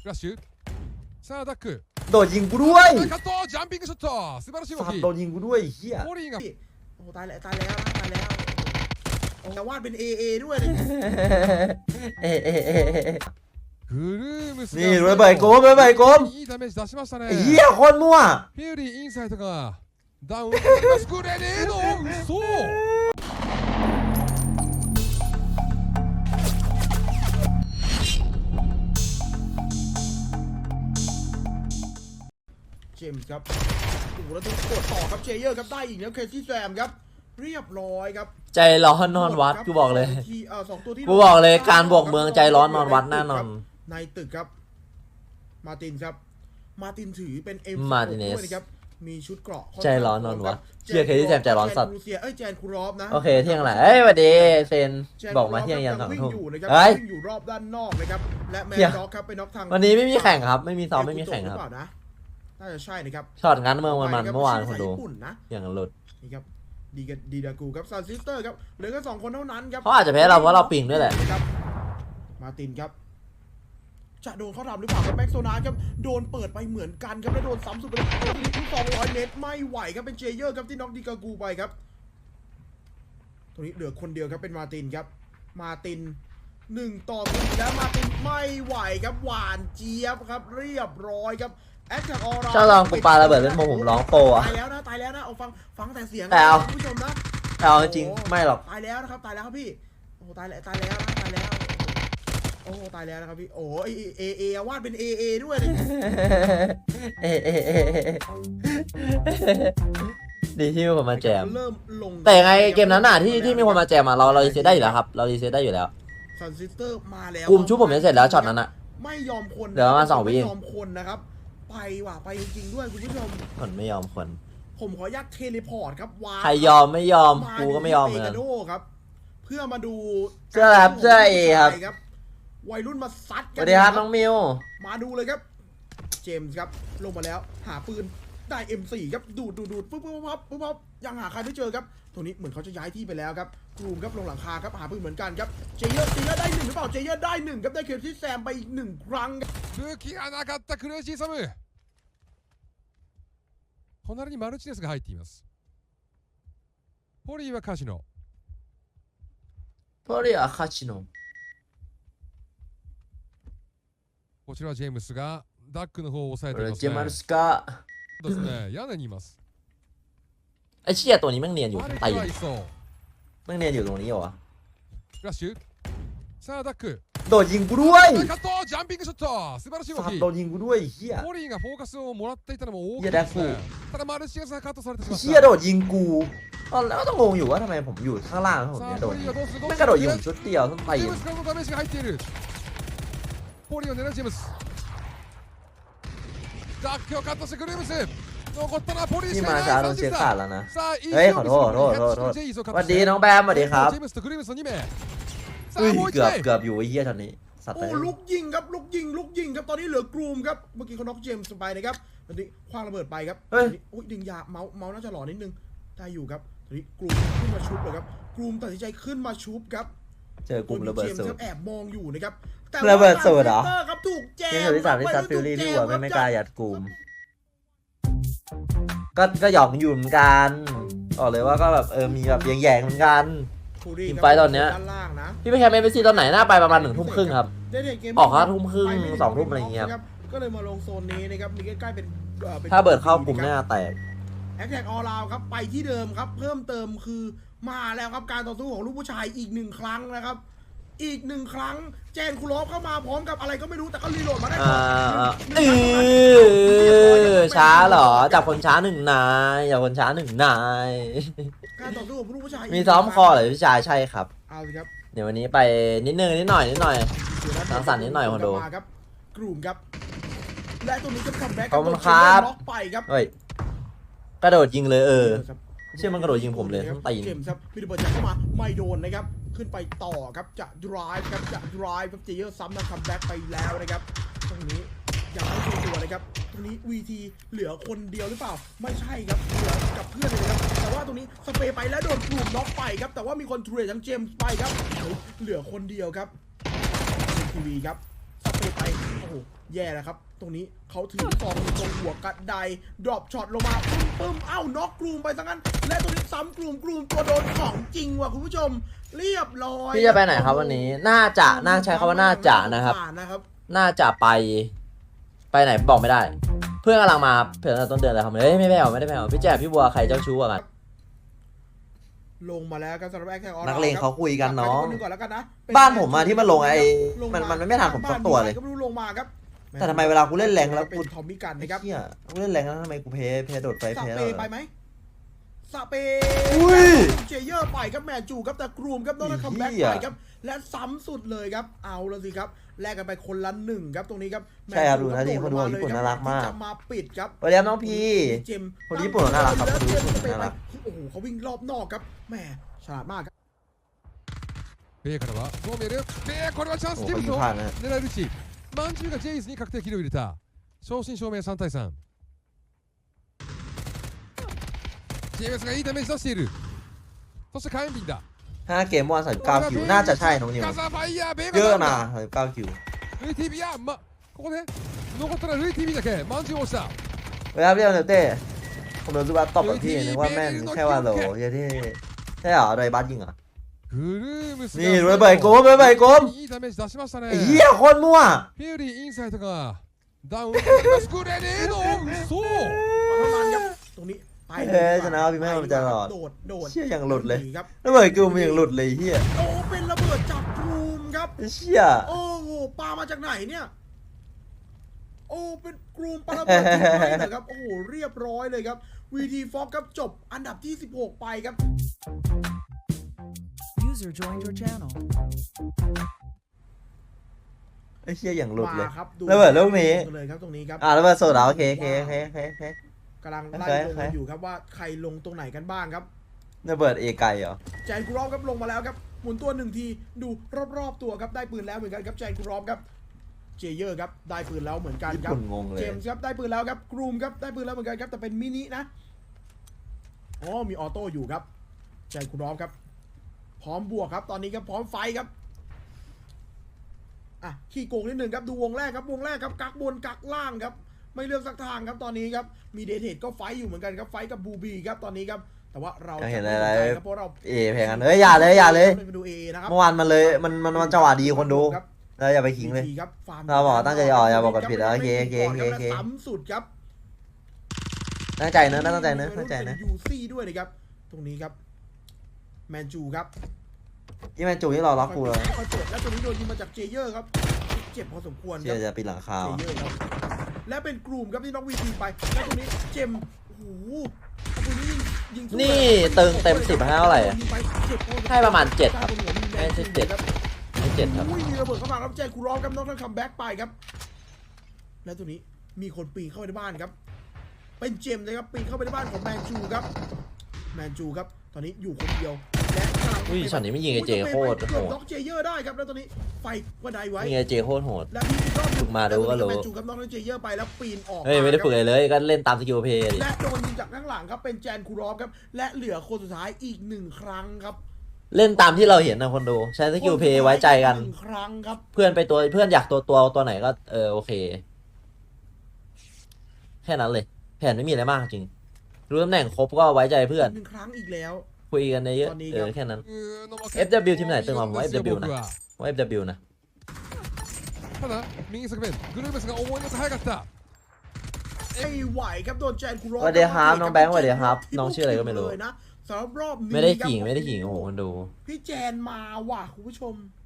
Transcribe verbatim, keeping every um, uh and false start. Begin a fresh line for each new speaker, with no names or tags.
フラッシュさあダック
โดดยิงกูด้วย
カットジャンピングショット素晴らしい動
สัต
き
ว์โดนยิงกูด้วยเฮีย
ポリーが
โอ้ตายแล้วตายแล้วตายแล้วโอ้แต่วาดเป็น เอ เอ ด้วยเลย
เอะเอะเอะเอะ
グルームス
นี่ระเบิดโกมระเบิดโกม
いいダメージ出しましたね
ไอ้เฮียโคตรมั่ว
フューリーインサイドがダウンスクレネード嘘
เจมส์ครับโอ้โหแล้วต้องกดต่อครับเจเยอร์ครับได้อีกแล้วเคซี่แซมครับเรียบร้อยครับ
ใจร้อนนอนวัดกูบอกเลย
ทีเอ่อสองตัวที่
กูบอกเลยการบวกเมืองใจร้อนนอนวัดแน่นอน
ในตึกครับมาตินครับมาตินถือเป็น เอ็ม
มาติเนส
ด้วยนะครับมีชุดเกราะ
ใจร้อนนอนวัดเชื่อเคที่แซมใจร้อนสัตว์
แจคูเซียเอ้ยแจนคูรอฟนะ
โอเคเที่ยงแหละเอ้ยสวัสดีเซน
แจน
บอกมาเที่ยงยันสอง
วิ่
ทุ่ม
อยู่นะครับ
เฮ้ย
วิ่งอยู่รอบด้านนอกนะครับและแมน
เหี้ย
ด็อกครับไปน็อกทาง
วันนี้ไม่มีแข่งครับไม่มีซ้อมไม่มีแข่ง
ห
ค
รือ
รับ
เปล่านะน่าจะใช่นะครับ
ช็อตงั้นเมืองมันมันเมื่อวานคนดู
ญี่ปุ่นนะ
อย่างหลุด
นี่ครับดีกับดีดากูครับซานซิสเตอร์ครับเหลือแค่สองคนเท่านั้นครับ
เขาอาจจะแพ้เราเพราะเราปิงด้วยแหละ
ครับมาตินครับจะโดนเขาทำหรือเปล่าครับแม็กโซนาครับโดนเปิดไปเหมือนกันครับแล้วโดนซ้ำสุดไปแล้วที่สองร้อยเมตรไม่ไหวครับเป็นเจเยอร์ครับที่น็อกดีกากูไปครับตรงนี้เหลือคนเดียวครับเป็นมาตินครับมาตินหนึ่งต่อหนึ่งแล้วมาตินไม่ไหวครับหวานเจี๊ยบครับเรียบร้อยครับแอคแท็กออร่า
ชอบลองกูปาระเบิดเล่นโมผมร้องโปอะ
ตายแล้วนะตายแล้วนะเอาฟังฟังแต่เสียง
แต่เอา
คุณผู้ชมนะ
แต่เอาจริงๆไม่หรอก
ตายแล้วนะครับตายแล้วครับพี่โอ้ตายแล้วตายแล้วนะตายแล้วโอ้ตายแล้วนะครับพี่โอ้เอเอเอวาดเป็น เอ เอ ด้วยเลย
เอะเอะเอะเอะดีที่มีคนมาแจม
เริ่มลง
แต่ยังไงเกมนั้นน่ะที่ที่มีคนมาแจมอ่ะเราเรารีเซ็ตได้อยู่แล้วครับเรารีเซ็ตได้อยู่แล้ว
ซันซิสเตอร์มาแล้ว
กลุ่มชุบผมจะเสร็จแล้วช็อตนั้นอ่ะ
ไม่ยอมคน
เดี๋ยวประมาณสองวิ
ไม่ยอมคนนะครับไปว่ะไปจริงๆด้วยคุณผู้ชม
คนไม่ยอมคน
ผมขออนุญาตเทเลพอร์ตครับวาง
ใครยอมไม่ยอมกูก็ไม่ยอมเหมือน
เป
กัน
กาโดครับ เพื่อมาดู
เสื้อครับเสื้อเอครับ
วัยรุ่นมาซัด
ส
กั
วัสดีครับน้องมิว
มาดูเลยครับ เจมส์ครับลงมาแล้วหาปืนได้ เอ็ม โฟร์ ครับดูดดูดดูดปุ๊บปุ๊บปุ๊บปุ๊บปุ๊บยังหาใครไม่เจอครับตรงนี้เหมือนเขาจะย้ายที่ไปแล้วครับกลุ่มครับลงหลังคาครับหาปืนเหมือนกันครับเจเยอร์เจเยอร์ได้หนึ่งหรือเปล่าเจเยอร์ได้หนึ่งครับได้เคที่แซมไปอีกหนึ่งครั้งครับ
武器がなかったクレイジーサム隣にマルチネスが入っていますポリーはカジノ
พอรีอาคาชิโน
こちらはジェームスがダックの方を抑えています
เจมา
ね
รุสกา
ですね屋根にいます
ไอเชี่ยตัวนี้แม่งเนียนอยู่
マル
ตี
キ
น
はいそう
แม่งเนียนอยู่ตรงนี้เหรอวะ
フラッシュさあダック
โดดยิงกูด้วย
カットジャンピングショット素晴らしい動
สัต
き
ว์โดนยิงกูด้วยเฮีย
ポリーがフォーカスをもらっていたのも大き
いや
いですね
ダッ
ただマルチネスがカットされてしまっ
เฮียโด
た
ดยิงกูตอนแรกก็ต้องงงอยู่ว่าทำไมผมอยู่ข้างล่างแล้วผม
さ
เนี่
あ
ยโด
ポ
น
リーがどうするどう
ไม่
す
กระโดด
る
ยิงชุดเดียวต้องตี
ジェームスからのダメージが入っているポリーを狙うジェームスダックをカットしてグルームス残ったのはポリーし
ที่
か
มาย ช้าโดน
ない
เช็ค
さ
ขาดแล้วนะ
あいい
เฮ้ย
準
ขอ
備
โทษขอโทษขอโทษขอโทษ
ジェイスを
ส
カッ
วั
ト
ส
し
ดี
て
น้องแบมสวัสดีครับ
ジェームスとグルームスのに名さ
อุ้
あ
ย
もう一
เกือบ
名
เกือบอยู่ไอ้เฮียตอนนี้สัตว์
โอ้
เลย
ลุกยิงครับลุกยิงลุกยิงครับตอนนี้เหลือกรูมครับเมื่อกี้เขาน็อกเจมส์ไปนะครับตอนนี้คว้างระเบิดไปครับตอนนี้อุ้ยดึงยาเมาส์เมาส์น่าจะหล่อนิดนึงได้อยู่ครับตอนนี้กรูมขึ้นมาชุบเลยครับกรูมตัดสินใจขึ้นมาชุบครับ
เจอกลุ่มระเบิด
จมส์
สู
ค
ต
รับ
ร
แอบมองอยู่นะครับแต่
ระเบิดสูตรเหรอ
ว่าครับถูกแจ
นี่
ม
คือที่สามที่ซัดฟิลลี่ที่หัวไม่ไม่กล้ายัดกลุ่มก็ก็หยอกอยู่เหมือนกันบอกเลยว่าก็แบบเออมีแบบแย่งๆเหมือนกัน ทีมไฟท์ตอนเนี้ย
ด้านล่างนะ
พี่ไปแคมป์เอฟซีตอนไหนน่าไปประมาณหนึ่งทุ่มครึ่งครับ
ได้เห็นเกม
ออกห้าทุ่มครึ่ง
ไปไถึ
สองทุ่มอะไรอย่างเงี้ย
ครับก็เลยมาลงโซนนี้นะครับมีใกล้ๆเป็นอ่อป็น
ถ้าเบิดเข้ากลุ่มหน้าแตก
แอคแท็กออลาวครับไปที่เดิมครับเพิ่มเติมคือมาแล้วครับการต่อสู้ของลูกผู้ชายอีกหนึ่งครั้งนะครับ อีกหนึ่งครั้งแจนคูลอฟเข้ามาพร้อมกับอะไรก็ไม่รู้แต่ก็รีโหลดมาได้
อ่า
ก่อน
เออช้าเหรอจับคนช้าหนึ่งนายจับคนช้าหนึ่งนาย
การต่อสู้ของลูกผู้ชาย
มีซ้อมคอเหรอพี่ชายใช่ครับ
เอาสิครับ
เดี๋ยววันนี้ไปนิดนึงนิดหน่อยนิดหน่อย
เดี๋ยวะ
สังสรรค์นิดหน่อยคนดู
มาครับกลุ่มครับและตรงนี้จะคัมแบ็ก
ขอบคุณครับ
ล็อกไปครับ
เฮ้ยกระโดดยิงเลยเออ เชื่อมันกระโดดยิงผมเลยทั้งตีน
เจมส์ครับมีระเบิดจากเข้ามาไม่โดนนะครับขึ้นไปต่อครับจะ drive ครับจะ drive ครับเจเยอร์ซ้ำนะคัมแบ็กไปแล้วนะครับตรงนี้ยังไม่ชัวร์ตัวนะครับตรงนี้ วี ที เหลือคนเดียวหรือเปล่าไม่ใช่ครับเหลือกับเพื่อนเลยนะครับแต่ว่าตรงนี้สเปรย์ไปแล้วโดนกลุ่มน็อกไปครับแต่ว่ามีคนเทรดทั้งเจมส์ไปครับเหลือคนเดียวครับทีวีครับสเปรย์ไปโอ้โหโหแย่แล้วครับตรงนี้เขาถือฟองอยู่ตรงหัวกระไดดรอปช็อตลงมาปึ้มปึ้มเอ้าน็อกกลุ่มไปซะงั้นและตรงนี้ซ้ำกลุ่มกลุ่มตัวโดนของจริงว่ะคุณผู้ชมเรียบร้อย
พี่จะไปไหนครับวันนี้น่าจะน่าใช้คำว่าน่าจะนะครับ
นะครับ
น่าจะไปไปไหนบอกไม่ได้ เพื่อนกำลังมาครับเพื่อนต้นเดือนเลยครับเฮ้ยไม่ไม่เอาไม่ได้ไม่เอาพี่แจ๊บพี่บัวใครเจ้าชู้กว่ากัน
ลงมาแล้วครับสำหรับแอคแท็กออน
นักเลงเขาคุยกันน้อง
ก่อนแล้วกันนะเป็
บ้านผมอะที่มันลงไอ้
ลง
มันมันไม่ทันผมสักตัวเลย
ก็ไม่รู้ลงมาครับ
แต่ทำไมเวลากูเล่นแรงแล้ว
เป็น
กู
ทอมมี่กัน
ไอ้
นะครับ
เหี้ยกูเล่นแรงแล้วทำไมกูเพย์เพย์โดดไฟ
ส
เพย์
เป
แล้ว
ย์ไปไหมสเป
อุ้ย
เจเยอร์ไปครับแมนจูครับแต่กรูมครับต้องได้คัมแบ็ก
เหี้ย
ไปครับและซ้ำสุดเลยครับเอาละสิครับแลกกันไปคนละหนึ่งครับตรงนี้ครับ
ใช่ครับดู
แม
นะ
จู
ที่คนดูของญี่ปุ่นน่ารักมาก
ที่จะมาปิดครับ
สวัสดีครับน้องพี
เจมส์
คนญี่ปุ่นน่ารักครับ
แล้ว
คน
เจ
ญี่
ม
ปุ่น
ส์จะไป
น่ารัก
โอ้โหเขาวิ่งรอบนอกครับแหมฉลาดมากครับ
ベイからはゴーメルベイこれはチャンス
โอ้
ジェ
เขา
イム
ยิ
ズ
ง
を
ผ่านนะ
狙えるしマンチューがジェイズに確定キルを入れた正真正銘さん対さんジェイムズがいいダメージ出しているそして火炎瓶だ
ห้าเกมวันสามสิบเก้าคิวน่าจะใช่น้องนิว
ガザーファイヤーベイ
เยอะ
が
นะสามสิบเก้าคิว
ルイ ティービー いやまここで残ったらルイ ティービー だけマンチューを押した
เวลาเรียกเนเต้ผมโดนซูบัสตบกับพี่นึกว่าแม่นแค่ว่าโหลเยอะที่ใช่เหรอโดยบัสยิงเหรอ
グルームス
นี่ระเบิดโกมระเบิดโกม
いいダメージ出しましたね
ไอ้เหี้ยโคตรมั่ว
フューリーインサイドがダウンスクレネード嘘
เท่านั้นครับตรงนี้ไป
เอ้ยชนะพี่แม่มันจะหลอด
โดดโดด
เชี่ยอย่างหลุดเลย
นีครับ
ระเบิดกูมันอย่างหลุดเลยเหี้ย
โอ้เป็นระเบิดจากกรูมครับ
เชี่ย
โอ้โหปามาจากไหนเนี่ยโอ้เป็นกรูมปาระเบิดทิ้งไว้เหรอครับโอ้โหเรียบร้อยเลยครับวีทีฟ็อกครับจบอันดับที่สิบหกไปครับ
User joined your channel.
ไอ้เชี่ยอย่างหลุดเลย
มาครับดู
ระเบิดลูกนี้
เลยครับตรงนี้ครับ
อ่าระเบิดโซดาโอเคโอเคโอเคโอเคโอเค
กำลังไล่
โอเค
ลง
โอเค
กันอยู่ครับว่าใครลงตรงไหนกันบ้างครับ
ระเบิดเอไกเหรอ
แจนกูรอบครับลงมาแล้วครับหมุนตัวหนึ่งทีดูรอบๆตัวครับได้ปืนแล้วเหมือนกันครับแจนกูรอบครับเจเยอร์ครับได้ปืนแล้วเหมือนกัน
ญี่
ครับ
ปุ่นงงเลย
เจมส์ครับได้ปืนแล้วครับกรูมครับได้ปืนแล้วเหมือนกันครับแต่เป็นมินินะอ๋อมีออโต้อยู่ครับแจนกูรอบครับพร้อมบวกครับตอนนี้ครับพร้อมไฟครับอ่ะขี้โกงนิดหนึ่งครับดูวงแรกครับวงแรกครับกักบนกักล่างครับไม่เลือกสักทางครับตอนนี้ครับมีเดทเทดก็ไฟอยู่เหมือนกันครับไฟกับบูบีครับตอนนี้ครับแต่ว่าเรา
อยากเห็น
ม่
อะไร
สนใจครับเพราะเรา
เอแพงกันเอ้ยอย่าเลยอย่าเลย
ไปดูเอนะครับ
เมื่อวานมันเลยมันมันมันจังหวะดีคนดู
ครับ
แล้วอย่าไปขิงเลย
ทีครับฟาร์ม
เราบอกตั้งใจอ๋ออย่าบอกกันผิดแล้วโอเคโอเคโอเคโอเค
และซ้ำสุดครับ
ตั้งใจเนอะตั้งใจเนอะตั้งใจเนอะ
ยูซี่ด้วยนะครับตรงนี้ครับแมนจูครับ
ที่แมนจูนี่รอล็อกกูเลย
ค่อยเปิดแล้วตรงนี้โดนยิงมาจากเจเยอร์ครับเจ็บพอสมควรค
เชี่
รั
ย
บ
จะปิดหลังคา
เจ
ว
เยอร์ครับและเป็นกลุ่มครับที่น็อกวีทีไปแล้วตรงนี้เจมโอ้โหเอาปืนนี้ยิงยิงสู้
นี่เติงเต็มสิบให้เท่าไหร่อะ
ยิงปเจ็บพอสมคว
ให้ประมาณเจ็ดครับ
ใต้นหัวแน
ไม่ใช่เจ็ด
ครับ
ไม่เจ็ดครับ
อุ้ยมีระเบิดเข้ามาครับแจคูรอฟครับน้องท่านคัมแบ็กไปครับ แล้วตัวนี้มีคนปีนเข้าไปในบ้านครับ เป็นเจมส์นะครับปีนเข้าไปในบ้านของแมนจูครับแมนจูครับตอนนี้อยู่คนเดียวและกำลัง
อุ้ยช็อตนี้ไม่ยิงไอ้เจโคตรโห
เกือบ
ด
น็อกเจเยอร์ได้ครับแล้วตอนนี้ไฟกระไดไว้
นี่ไงเจโคตรโหด
และพี่ก็
ฝึกมาดูก็รู้
แมนจูครับน้องเจเยอร์ไปแล้วปีนออก
เฮ้ยไม่ได้ฝึก
า
อะไรเลยก็เล่นตามสกิลเพย์ดิ
และโดนยิงจากข้างหลังครับเป็นแจนคูรอฟครับและเหลือคนสุดท้ายอีกหนึ่งครั้งครับ
เล่นตามที่เราเห็นนะคนดูใช้สกิลเพย์ไว้ใจกัน
หนึ่งครั้งครับ
เพื่อนไปตัวเพื่อนอยากตัวตัวตัวไหนก็เออโอเค แค่นั้นเลย แผนไม่มีอะไรมากจริง รู้ตำแหน่งครบก็ไว้ใจเพื่อน
หนึ่งครั้งอีกแล้ว
คุยกันเยอะ
ตอนนี้
เอ
ครับ
อแค่นั้น
うーの
เอฟ ดับเบิลยู ทีมไหนตึงกว่าผมว่า เอฟ ดับเบิลยู นะ
僕は
ว่า เอฟ ดับเบิลยู นะ
ただ右側面グルーメスが思いのほか早かった
ไม่ไหวครับโดนแจนคูรอฟ
สวัสดีครับน้องแบงค์สวัสดีครับน้องชื่ออะไรก็ไม่รู้
เลยนะสำหรับรอบนี้
ไม่ได้
ครับ
ขิงไม่ได้ขิงโอ้โหคนดู
พี่แจนมาว่ะคุณผู้ชม